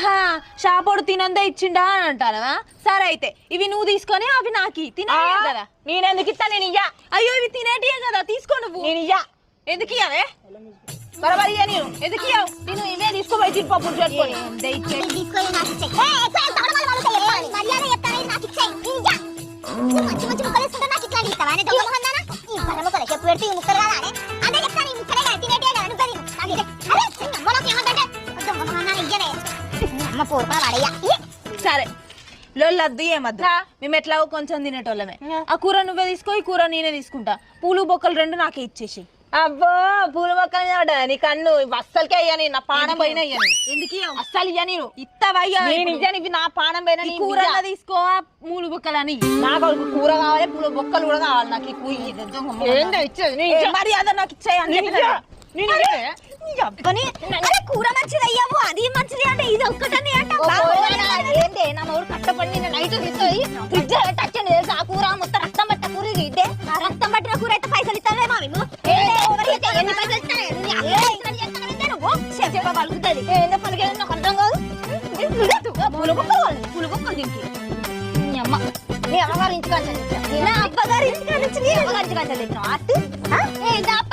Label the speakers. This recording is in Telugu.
Speaker 1: ఆహా షాపోడు తినందే ఇచ్చిండా అని అంటానవా? సరే అయితే ఇవి నువ్వు తీసుకొని అవి నాకి తినేయే కదా.
Speaker 2: నేనెందుకు ఇస్తా? నేను ఇయ్యా.
Speaker 1: అయ్యో ఇవి తినేటియే కదా, తీసుకో నువ్వు.
Speaker 2: నేను ఇయ్యా.
Speaker 1: ఎందుకు ఇయ్యావే?
Speaker 2: బరాబర్ ఇయ్యా. నేను
Speaker 1: ఎందుకు ఇయ్యావు?
Speaker 2: నేను ఇవే తీసుకోపోయి తిప్పప్పుడు పెట్టుకొని
Speaker 1: సరే లొల్లద్దు ఏమద్దు, మేము ఎట్లా కొంచెం తినేటోళ్ళమే. ఆ కూర నువ్వే తీసుకో, ఈ కూర నేనే తీసుకుంటా. పూలు బొక్కలు రెండు నాకే ఇచ్చేసి.
Speaker 2: అబ్బో పూల మొక్కలు మీద నీ కన్ను అస్సలకే అయ్యాని. నా పానం పైన అయ్యాను.
Speaker 1: ఎందుకు
Speaker 2: అస్సలు ఇయ్యా. నేను
Speaker 1: ఇత్తవయ్యా,
Speaker 2: నేను ఇయ్యాను. ఇవి నా పానం పైన.
Speaker 1: కూర తీసుకో, మూలు బొక్కలని.
Speaker 2: నాకు కూర కావాలి, పూల బొక్కలు కూడా కావాలి. నాకు ఈ కూర ఇచ్చేది
Speaker 1: మరి అదే నాకు ఇచ్చేయండి. కూర మంచిది అయ్యాము, అది మంచిది అంటే ఇది ఒక్కటని
Speaker 2: ఏంటి నా మూడు కట్టపడి నైట్ తీసుకొని ఫ్రిడ్జ్ పెట్టచ్చండి. ఆ కూర మొత్తం రక్తం పట్ట కూర. ఇదే
Speaker 1: రక్తం పట్టిన కూర అయితే పైసలు ఇస్తావేమో మేము.
Speaker 2: పలుకుతుంది పలికే నాకు అర్థం కాదు.
Speaker 1: పులుగొక్కలు దీనికి
Speaker 2: మీ అమ్మ మీ అమ్మగారు ఇంటికి
Speaker 1: నా అబ్బగారి ఇంటికి